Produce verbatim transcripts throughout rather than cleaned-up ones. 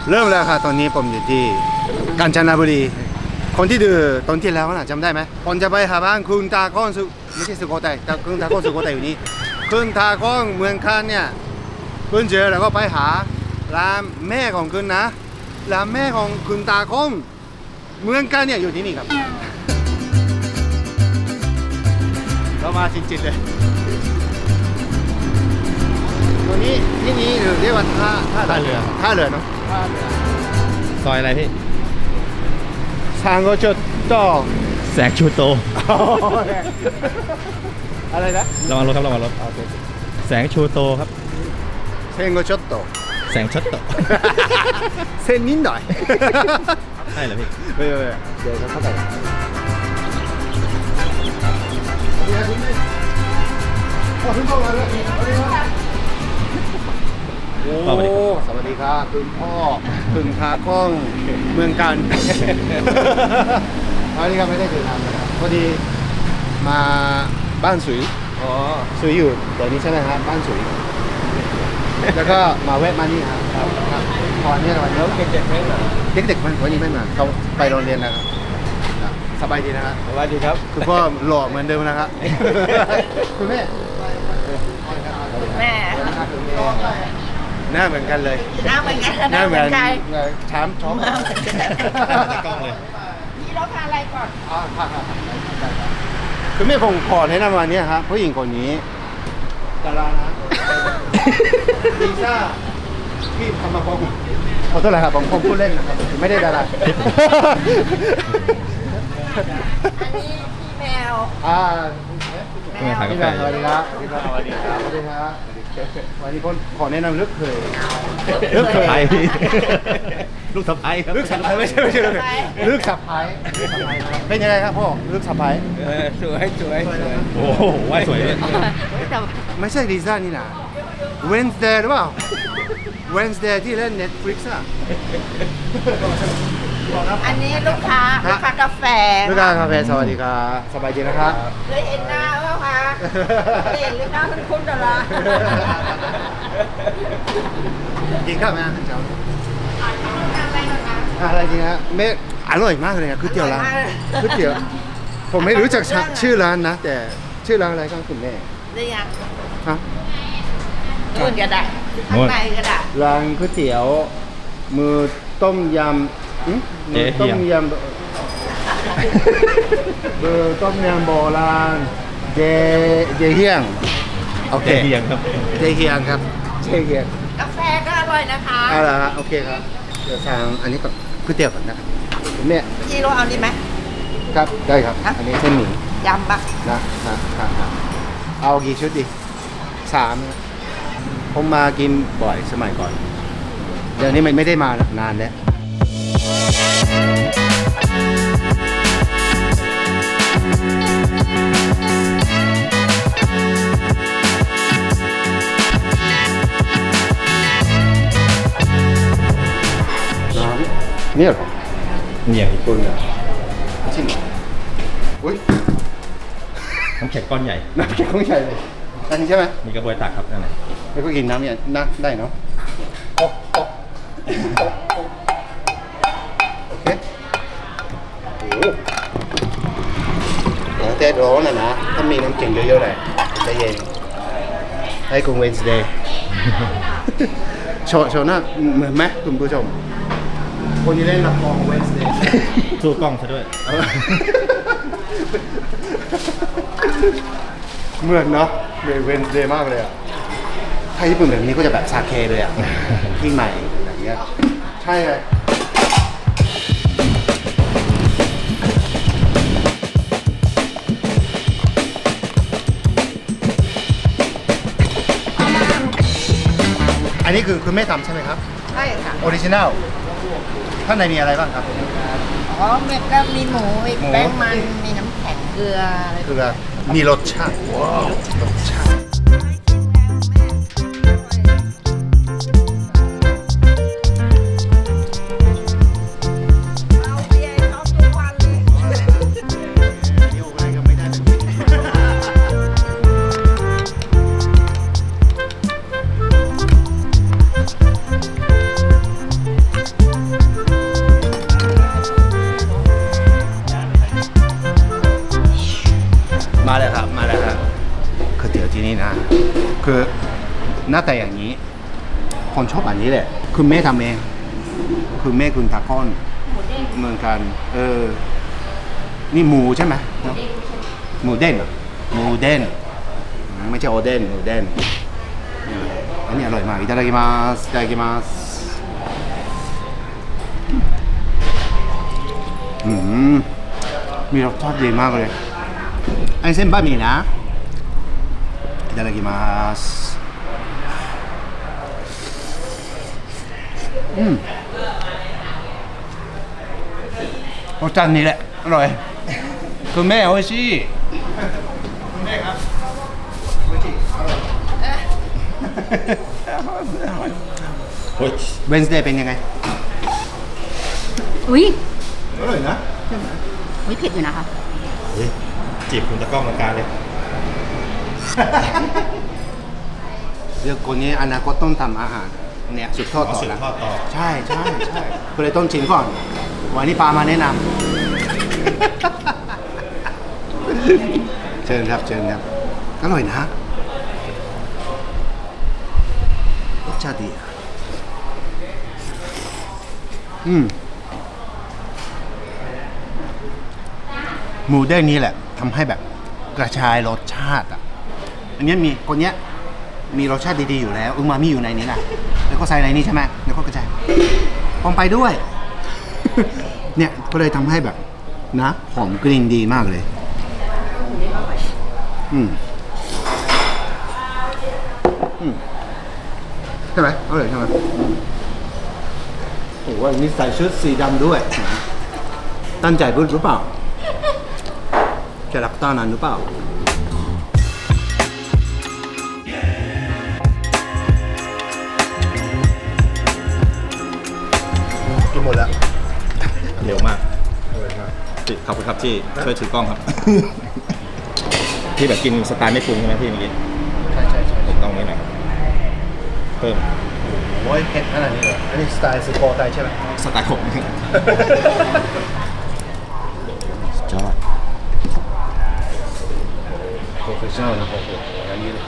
เริ่มแล้วค่ะตอนนี้ผมอยู่ที่กาญจนบุรีคนที่ดูตอนที่แล้วน่ะจำได้ไหมผมจะไปหาบ้านคุณตาก้อนสุไม่ใช่สุโขทัยแต่คุณตาก้อนสุโขทัยอยู่นี่คุณตาก้อนเมืองคันเนี่ยคุณเจอแล้วก็ไปหาร้านแม่ของคุณนะร้านแม่ของคุณตาก้อนเมืองคันเนี่ยอยู่ที่นี่ครับเรามาจริงๆเลยตัวนี้ที่นี้เรียกว่าท่าท่าท่าเรือท่าเรือเนาะซอยอะไรพี่ทางก็จะต่อแสงชูโตอะไรนะระวังรถครับระวังรถแสงชูโตครับเซนก็ชดโตแสงชัดโตเส้นนิดหน่อยใช่เหรอพี่ไม่ไม่ไม่เดี๋ยวเขาเข้าไปโอ้สวัสดีครับคุณพ่อคุณคากล้องเมืองกันอันนี้ก็ไม่ได้เจอนานนะครับพอดีมาบ้านสุยอ๋อสุยอยู่เดี๋ยวนี้ใช่ไหมครับบ้านสุยแล้วก็มาแวะมานี่ครับครับตอนนี้วันนี้เด็กๆไม่มาเด็กๆมันวันนี้ไม่มาเขาไปโรงเรียนแล้วครับสบายดีนะครับสบายดีครับคุณพ่อหล่อเหมือนเดิมนะครับคุณแม่แม่หน้าเหมือนกันเลยหน้าเหมือนกันหน้าเหมือนใครช้ำช้อมตะกล้องเลยพี่เราทานอะไรก่อนคือแม่ผมขอแนะนำวันนี้ครับผู้หญิงคนนี้ดารานะลิซ่าพี่ทำมาฟ้องผมขอโทษนะครับผมผมพูดเล่นนะครับไม่ได้ดาราอันนี้พี่แมวอ่าเมื่อถ่ายกาพี่แฟแมวสวัสดีครับสวัสดีครับสวัสดีครับวันนี้คนขอแนะนำลึกเคยลึกเคยไทยพี่ลูกสะพ้ายครับลึกสับไพไม่ใช่ไม่ใช่ลึกลึกสับไพเป็นยังไงครับพ่อลึกสับไพสวยสวยสวยโอ้โหว่าสวยเลยแต่ไม่ใช่ลิซ่านี่นะ Wednesday หรือเปล่า Wednesday ที่เล่น Netflix อะอันนี้ลูกค้าลูกค้ากาแฟลูกค้ากาแฟสวัสดีครับสบายดีนะครับเคยเห็นหน้าเปล่าคะเคยเห็นหรือหน้าคุณคุณดารากินข้าวไหมอาหารเช้าทานอะไรนะคะอะไรจริงฮะเมฆอร่อยมากเลยอะก๋วยเตี๋ยวร้านอร่อยมากเลยก๋วยเตี๋ยวผมไม่รู้จักชื่อชื่อร้านนะ แต่ชื่อร้านอะไรครับคุณแม่ได้ยังฮะนู่นก็ได้ข้างในก็ได้ร้านก๋วยเตี๋ยวมือต้มยำหึมือต้มยำเบอร์ต้มยำโบราณเจเจเฮียงโอเคเจเฮียงครับเจเฮียงครับเจเฮียงกาแฟก็อร่อยนะคะเอาละฮะโอเคครับเดี๋ยวสั่งอันนี้ก่อนก๋วยเตี๋ยวก่อนนะครับคุณแม่พี่เราเอานี่ไหมครับได้ครับครับอันนี้เส้นหมี่ยำปะนะครับครับเอากี่ชุดดีสามนะผมมากินบ่อยสมัยก่อน เดี๋ยวนี้มันไม่ได้มานานแล้วน้ำเนี่ยเหรอเนี่ยตุนเหรอจริงเหรออุ้ยน้ำแข็งก้อนใหญ่น้ำแข็งของใหญ่เลยอันนี้ใช่ไหมมีกระบวยตักครับนั่นแหละแล้วก็กินน้ำเนี่ยนะได้เนาะโอ๊ะโอ๊ะโอ๊ะโอ๊ะโอเคโอ้โหแต่ร้อนนะนะถ้ามีน้ำแข็งเยอะๆเลยจะเย็นให้คุณเวนส์เดย์ โชว์โชว์หน้าเหมือนไหมคุณผู้ชมคนที่เล่นละครเวนส์เดย์สู้กล้องซะด้วยเหมือนเนาะเลยเวนส์เดย์มากเลยอ่ะถ้าญี่ปุ่นแบบนี้ก็จะแบบซาเคเลยอ่ะ ที่ใหม่อย่างเงี้ยใช่เลยอันนี้คือคุณแม่ทำใช่ไหมครับใช่ค่ะออริจินัลข้างในมีอะไรบ้างครับอ๋อเม็ดก็มีหมูมีหมูแป้งมันมีน้ำแข็งเกลืออะไรคือมีรสชาติว้าวรสชาติเอาเบียร์ให้เขาทุกวันเลยอยู่อะไรก็ไม่ได้แบบนี้ที่นี่นะ คือหน้าแต่อย่างนี้ คนชอบอันนี้แหละคือแม่ทำเองคือแม่คุณตาก้อนเหมือนกันเออนี่หมูใช่ไหมเนอะหมูเด้นเหรอหมูเด้นไม่ใช่โอเด้นหมูเด้นนี่อันนี้อร่อยมากいただきますいただきますอืมมีรสชาติดีมากเลยไอ้เส้นบะหมี่นะいただきますอืมรสชาตินี้แหละอร่อยคุณแม่โอ้ยชิคุณแม่ครับโอ้ยชิอร่อยเฮ้ยเวนส์เดย์เป็นยังไงอุ้ยอร่อยนะอุ้ยเผ็ดอยู่นะคะเฮ้ยจีบคุณตะกล้องกลางเลยเรื่องคนนี้อนาคตต้องทำอาหารเนี่ยสืบทอดอ๋อต่อสืบนะทอดต่อใช่ใช่ใช่ก็เลยต้องชิมก่อน วันนี้ปามาแนะนำ เชิญครับเชิญครับอร่อยนะรสชาติดีอะอืมหมูเด้งนี้แหละทำให้แบบกระชายรสชาติอ่ะอันนี้มีคนเนี้ยมีรสชาติดีๆอยู่แล้วอึมามิอยู่ในนี้แหละแล้วก็ใส่ในนี้ใช่ไหมแล้วก็กระจายพร้อมไปด้วย เนี่ยก็เลยทำให้แบบนะหอมกลิ่นดีมากเลยอืมอืมใช่ไหมอร่อยใช่ไหมโอ้โหวันนี้ใส่ชุดสีดำด้วยตั้งใจพูดหรือเปล่าจะรับตานั้นหรือเปล่ากินหมดแล้วเร็วมากจิขอบคุณครับที่ช่วยถือกล้องครับ ที่แบบกินสไตล์ไม่ปรุงใช่ไหมพี่เมื่อกี้ใช่ใช่ใช่ผมต้องนี้หน่อยเพิ่มโอ้ยเผ็ดขนาดนี้เลยอันนี้สไตล์สโกไตใช่ไหมสไตล์ผมจอดโปรเฟชชั่นอลนะโอ้โหอย่างนี้เลย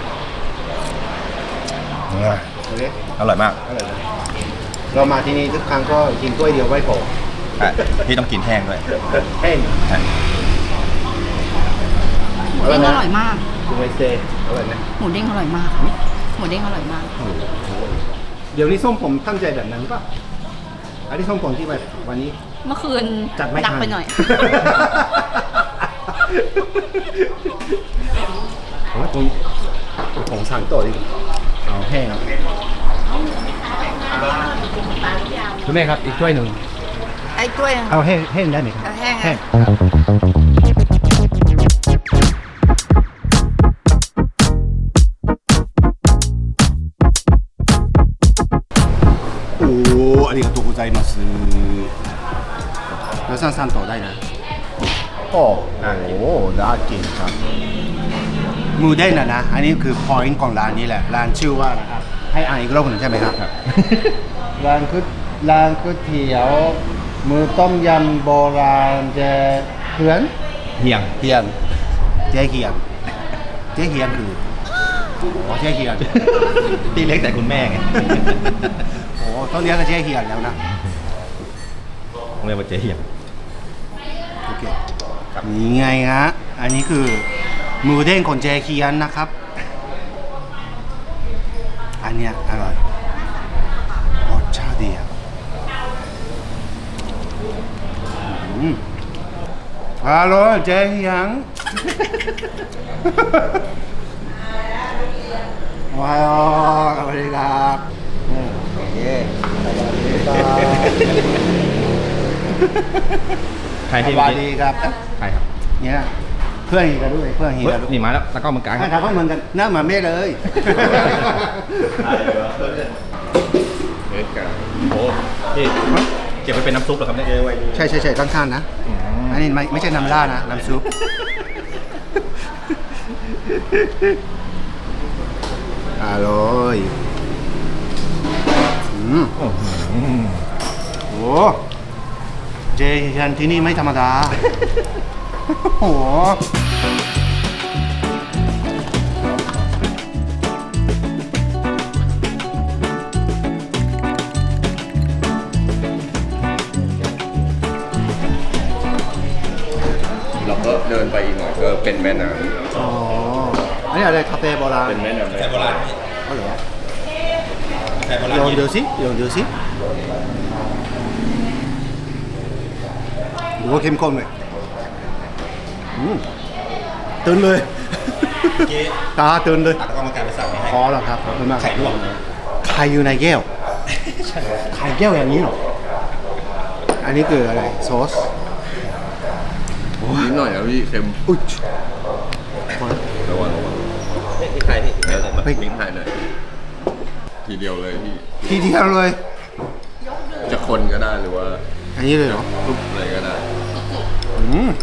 โอเคอร่อยมากอร่อยนะเรามาที่นี่ทุกครั้งก็กินถ้วยเดียวไม่พออ่ะพี่ต้องกินแห้งด้วยแห้งใช่หมูเด้งอร่อยมากดูไวสเตย์อร่อยไหมหมูเด้งอร่อยมาก หมูเด้งอร่อยมากเดี๋ยวนี้ส้มผมตั้งใจแบบนั้นป่ะอันนี้ส้มผมที่แบบวันนี้เมื่อคืนจัดไม่ดักทันไปหน่อยผมว่าผมผมสั่งต่อดีกว่าเอาแห้งคุณแม่ครับอีกถ้วยหนึ่งไอ้กล้วยเอาแห้งแห้งได้ไหมครับเอาแห้งแห้งโอ้ありがとうございますแล้วสั่งๆต่อได้นะโอ้โหน่ากินครับหมูเด้งนะนะ อันนี้คือ point ของร้านนี้แหละ ร้านชื่อว่านะครับ ให้อ่านอีกรอบหนึ่งใช่ไหมครับ ร้านคือร้านก๋วยเตี๋ยวมือต้มยำโบราณเจเฮือนเฮียงเฮียนเจ๊เฮียนเจ๊เฮียนคืออ๋อเจ๊เฮียนที่เล็กแต่คุณแม่ไงโอ้ต้องเรียกกันเจ๊เฮียนแล้วนะผมเรียกว่าเจ๊เฮียงโอเคนี่ไงฮะ อันนี้คือหมูเด้งของเจเคียนนะครับ อันเนี้ยอร่อยรสชาติดีอ่ะอืมอร่อยเจเคียน ว้าวสวัสดีครับอืมโอเคสวัสดีครับใครสที่วัเมื่สอดีกี้ครับใครครับเนี่ยเพื่อนเฮียกันด้วยเพื่อนเฮียเฮ้ยกันด้วยนี่มาแล้วตะกล้องมันกลางหน้าตาก็เหมือนกันหน้าเหมือนเมฆเลยเฮ้ยกลางโอ้พี่เก็บไปเป็นน้ำซุปเหรอครับเนี่ยใช่ใช่ใช่ข้างๆนะอืมอันนี้ไม่ไม่ใช่น้ำราดนะน้ำซุปอร่อยอืมโอ้โหโอ้เจเฮียนที่นี่ไม่ธรรมดา โอ้โหม่น้อ๋ออันนี้อะไรคาเฟ่โบราณำเป็นแม่น้ำแต่โบราณพี่อ๋อเหรอแต่โบราณลองดูสิลองดูสิดูว่าเข้มข้นเลยอืมตื่นเลยเมื่อกี้ตาตื่นเลยตักกรรมการไปสั่งให้อ๋อเหรอครับขอบคุณมากไข่ลวกไข่อยู่ในแก้วไข่แก้วอย่างนี้เหรออันนี้คืออะไรซอสนิดหน่อยนะพี่เค็มอุ๊ยระวังระวังนี่พริกไทยพี่พริกไทยพริกไทยหน่อยทีเดียวเลยพี่ทีเดียวเลยจะคนก็ได้หรือว่าอันนี้เลยเหรอทุบอะไรก็ได้อืม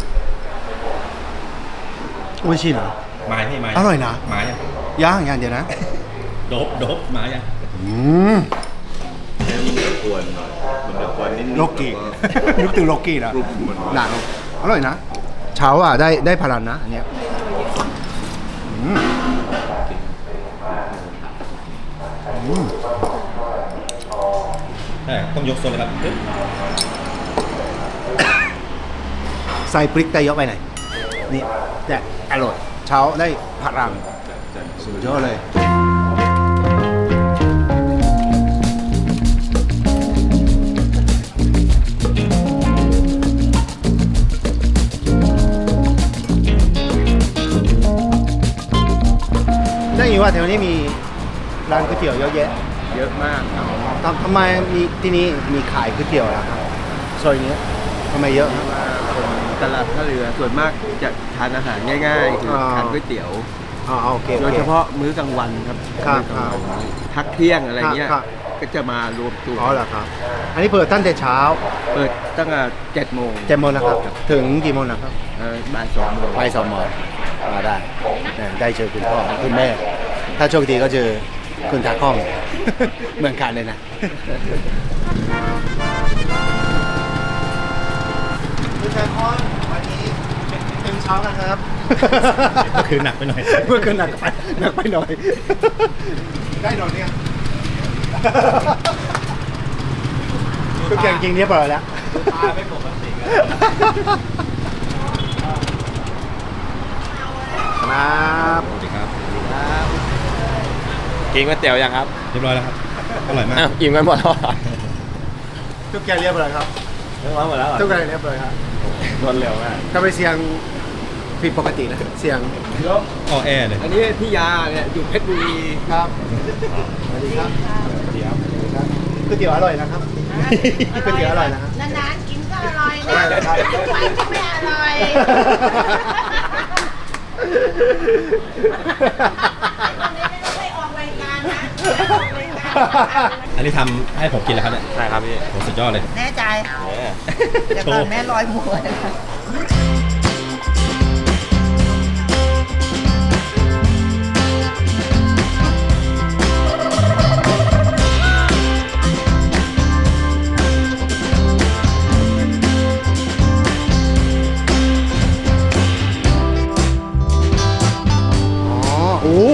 โอ้ยชิเหรอไม้พี่ไม้อร่อยนะไม้ยังย่างอย่างเดียวนะโดบโดบไม้ยังอืมให้มันจะกวนหน่อยมันจะกวนนิดๆโลกีนึกถึงโลกีนะกรุบมันหนาอร่อยนะ เช้าอ่ะได้ได้พลังนะอันเนี้ยอืมอืมใช่ต้องยกโซนเลยครับปึ๊บใส่พริกแต่เยอะไปไหนอยนี่แต่อร่อยเช้าได้พลังสุดยอดเลย ได้ยินว่าแถวนี้มีร้านก๋วยเตี๋ยวเยอะแยะเยอะมากครับทำทำไมมีที่นี่มีขายก๋วยเตี๋ยวล่ะครับซอยนี้ทำไมเยอะครับตลาดท่าเรือส่วนมากจะทานอาหารง่ายๆ คืออ่าทานก๋วยเตี๋ยวอ๋อโอเคโดโอย เคเฉพาะมื้อกลางวันครับครับมื้อกลางวันพักเที่ยงอะไรเงี้ยครับก็จะมารวมตัวอ๋อเหรอครับ อันนี้เปิดตั้งแต่เช้าเปิดตั้งแต่เจ็ดโมงเจ็ดโมงนะครับ ถึงกี่โมงนะครับเอ่อบ่ายสองโมงไปสองโมงมาได้เนี่ยได้เจอคุณพ่อคุณแม่ ถ้าโชคดีก็เจอคุณตากล้อง เหมือนกันเลยนะคุณชายพรวันนี้ตื่นเช้ากันครับเมื่อคืนหนักไปหน่อยเมื่อคืนหนักไปหนักไปหน่อย ได้หน่อยเนี่ยทุกอย่างจริงเรียบร้อยแล้วตาไม่ปกติกันครับสวัสดีครับกินก๋วยเตี๋ยวยังครับเรียบร้อยแล้วครับ อร่อยมากอิ่มกันหมดแล้วทุกอย่างเรียบร้อยครับเรียบร้อยหมดแล้วทุกอย่างเรียบร้อยครับรวดเร็วมากถ้าไปเสียงผิดปกตินะเสียงออแอร์เลยอันนี้พี่ยาเนี่ยอยู่เพชรบุรีครับสวัสดีครับสวัสดีครับก๋วยเตี๋ยวอร่อยนะครับก๋วยเตี๋ยวอร่อยนะครับนานๆกินก็อร่อยอร่อยครับทุกวันก็ไม่อร่อยไม่ออกรายการนะไม่ออกรายการอันนี้ทำให้ผมกินแล้วครับเนี่ยใช่ครับพี่โหสุดยอดเลยแน่ใจเดี๋ยวก่อนแม่ลอยหมวยอ๋อโอ้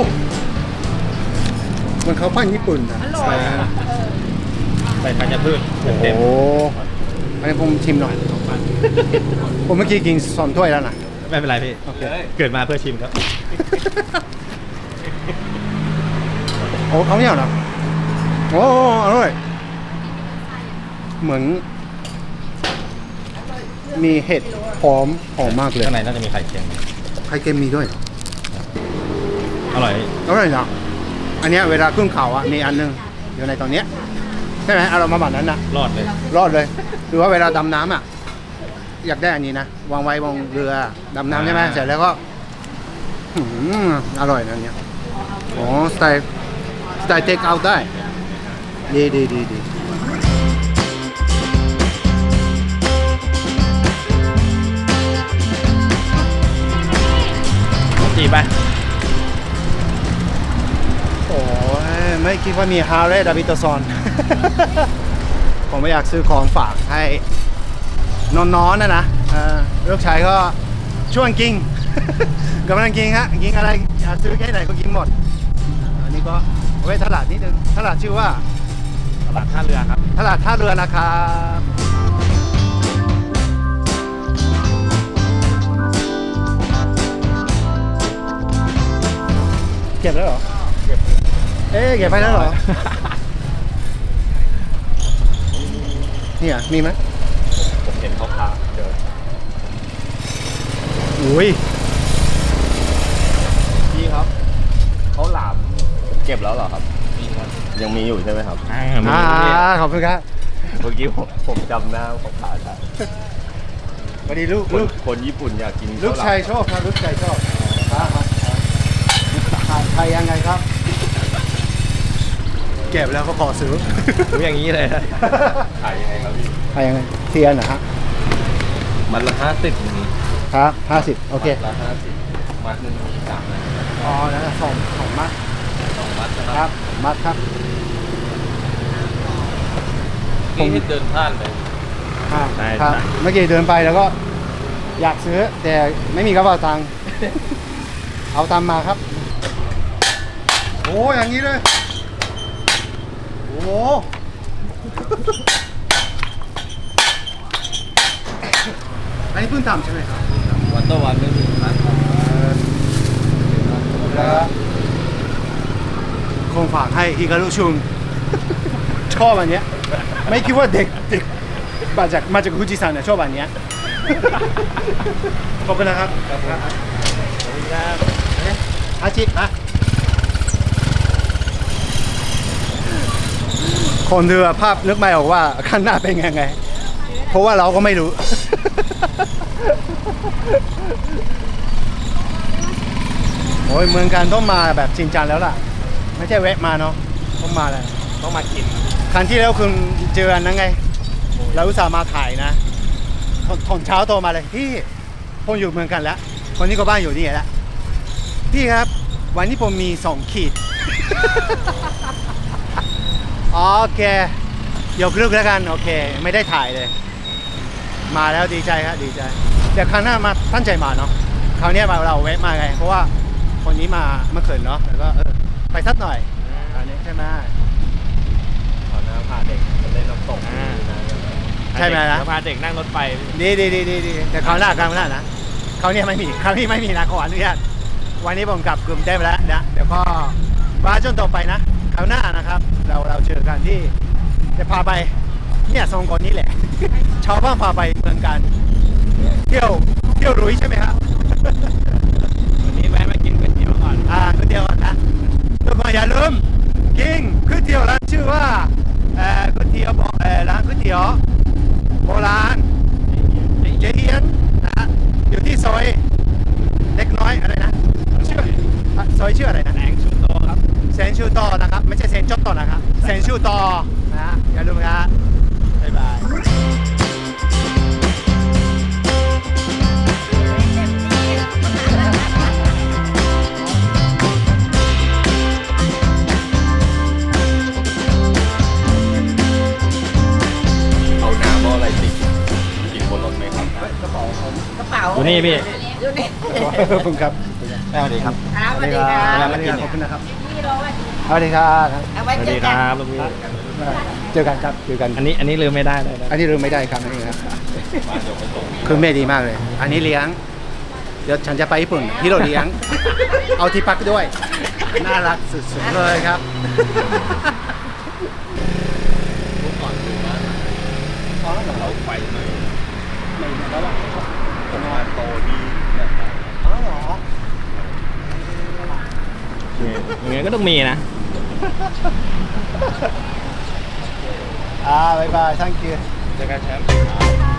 มันเขาวปั้นญี่ปุ่นนะอร่อยใส่ธัญพืชเต็มโอ้อันนี้ผมชิมหน่อย ผมเมื่อกี้กินสองถ้วยแล้วนะๆไม่เป็นไรพี่โอเคเกิดมาเพื่อชิมครับโอ้เขาเนี่ยเหรอโอ้อร่อย เหมือน มีเห็ดหอมหอมมากเลยข้างในน่าจะมีไข่เค็มไข่เค็มมีด้วยเหรออร่อยอร่อยนะอันเนี้ยเวลาขึ้นเขาอ่ะมีอันนึงอยู่ในตอนเนี้ยใช่ไหมเอาเรามาแบบนั้นนะรอดเลยรอดเลย หรือว่าเวลาดำน้ำอ่ะ อยากได้อันนี้นะ วางไว้บนเรือดำน้ำใช่ไหมอ่าเสร็จแล้วก็อื้อหืออร่อยนะอันเนี้ยอ๋อสไตล์สไตล์เทคเอาท์ได้ ดีดีดีดีจีบป่ะโอ้ยไม่คิดว่ามีฮาร์เรย์ดาวิดซอน ผมไม่อยากซื้อของฝากให้น้องๆนะนะเออลูกชายก็ชวนกิน กำลังกินฮะกินอะไรอยากซื้อแค่ไหนก็กินหมด อันนี้ก็เอาไว้ตลาดนิดนึงตลาดชื่อว่าตลาดท่าเรือครับตลาดท่าเรือนะครับเก็บแล้วเหรอเอ๊ะเก็บไปแล้วเหรอเนี่ยมีไหมผมเห็นเขาค้าเจออุ้ยพี่ครับเขาหลามเก็บแล้วเหรอครับยังมีอยู่ใช่ไหมครับอ่าขอบคุณครับเมื่อกี้ผมผมจำหน้าเขาผ่านได้พอดีลูกคนลูกคนญี่ปุ่นอยากกินลูกชายชอบครับลูกชายชอบครับครับใครยังไงครับ เก็บแล้วก็ขอซื้อรู้อย่างนี้เลยขายยังไงครับพี่ใครยังไงเทียนนะฮะมันละห้าสิบอย่างนี้ครับห้าสิบโอเคละห้าสิบมัดหนึ่งมีสามนะอ๋อแล้วสองสองมัดสองมัดนะคครัรับบ มัดครับนี่ที่เดินผ่านเลยครับใช่ครับใช่เมื่อกี้เดินไปแล้วก็อยากซื้อ แต่ไม่มีกระเป๋าตังค์ เอาตามมาครับ โอ้อย่างนี้เลยโอ้อันนี้เพิ่งทำใช่ไหมครับวันต่อวันไม่มีมัดแล้วคงฝากให้ฮิการุชุง ชอบอันเนี้ยไม่คิดว่าเด็กเด็กมาจากมาจากฟูจิซันเนี่ยชอบอันเนี้ย ขอบคุณนะครับอาจินะคนดูภาพนึกไม่ออกว่าข้างหน้าเป็นยังไง เพราะว่าเราก็ไม่รู้ โอ้ยเมืองการต้องมาแบบจริงจังแล้วล่ะ ไม่ใช่แวะมาเนาะต้องมาเลยต้องมากินครั้งที่แล้วคุณเจออันนั้นไง เราอุตส่าห์มาถ่ายนะตอนตอนเช้าโทรมาเลยพี่ผมอยู่เมืองกันแล้วคนนี้ก็บ้านอยู่นี่แหละพี่ครับ วันนี้ผมมีสองขีด โอเคยกเลิกแล้วกันโอเค ไม่ได้ถ่ายเลย มาแล้วดีใจครับดีใจเดี๋ยวครั้งหน้ามาตั้งใจมาเนาะคราวนี้มาเราแวะมาไง เพราะว่าคนนี้มาเมื่อคืนเนาะแล้วก็เออไปสักหน่อยอันนี้ใช่ไหมขอหน้าพาเด็กมาเล่นน้ำตกใช่ไหมนะพาเด็กนั่งรถไฟดีดีดีดีดีแต่คราวหน้าคราวหน้านะคราวนี้ไม่มีคราวนี้ไม่มีนะขออนุญาตวันนี้ผมกลับกลุ่มได้ไปแล้วนะเดี๋ยวก็ว่าจนต่อไปนะคราวหน้านะครับ เราเราเจอกันที่จะพาไปเนี่ยสองคนนี้แหละ ชาวบ้านพาไปเมืองกันเที่ยวเที่ยวรุ้ยใช่ไหมครับวันนี้แวะมากินก๋วยเตี๋ยวก่อนอ่าก๋วยเตี๋ยวก่อนนะทุกคนอย่าลืมกินก๋วยเตี๋ยวร้านชื่อว่าเอ่อก๋วยเตี๋ยวบอกเอ่อร้านก๋วยเตี๋ยวโบราณเจเอียนนะฮะอยู่ที่ซอยเล็กน้อยอะไรนะชื่ออ่ะซอยชื่ออะไรนะแสงชูโตครับเซนชูโตนะครับไม่ใช่เซนจอตโตนะครับเซนชูโตนะฮะอย่าลืมนะบ๊ายบายเอาน้ำเอาอะไรติดกินบนรถไหมครับกระเป๋าอยู่นี่พี่อยู่นี่ขอบคุณครับสวัสดีครับครับสวัสดีครัสบวัสดีครับขอบคุณนะครับพี่รอไว้สวัสดีครับเอาไว้เจอกันลูกพี่เจอกันครับเจอกันอันนี้อันนี้ลืมไม่ได้เลยนะอันนี้ลืมไม่ได้ครับอันนี้ครับคือแม่ดีมากเลย อันนี้เลี้ยง เดี๋ยวฉันจะไปญี่ปุ่นพี่เราเลี้ยง เอาที่พักด้วย น่ารักสุดๆเลยครับเราไฟไหมไม่แล้วว่าผมว่าโตดีอ๋อเหรออย่างเงี้ยก็ต้องมีนะอ่าบายบาย thank you เจอกันแชมป์